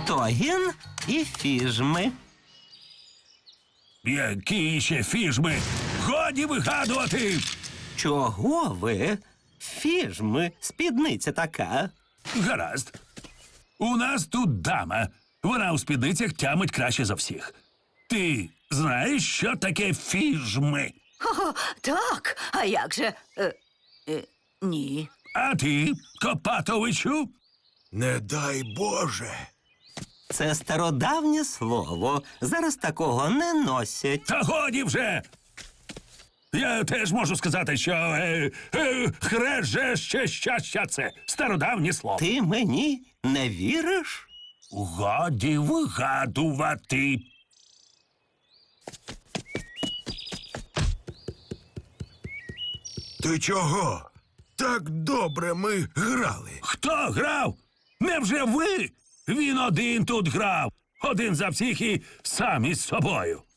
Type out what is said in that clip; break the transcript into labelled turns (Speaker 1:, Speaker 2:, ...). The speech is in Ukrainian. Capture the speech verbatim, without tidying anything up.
Speaker 1: Тогін і фіжми.
Speaker 2: Які ще фіжми? Годі вигадувати!
Speaker 1: Чого ви? Фіжми, спідниця така.
Speaker 2: Гаразд. У нас тут дама. Вона у спідницях тямить краще за всіх. Ти знаєш, що таке фіжми?
Speaker 3: О, так, а як же? Е, е, ні.
Speaker 2: А ти, Копатовичу?
Speaker 4: Не дай Боже.
Speaker 1: Це стародавнє слово. Зараз такого не носять.
Speaker 2: Та годі вже! Я теж можу сказати, що е, е, хреже ще щастя це стародавнє слово.
Speaker 1: Ти мені не віриш?
Speaker 2: Годі вигадувати.
Speaker 4: Ти чого? Так добре ми грали.
Speaker 2: Хто грав? Невже ви? Він один тут грав. Один за всіх і сам із собою.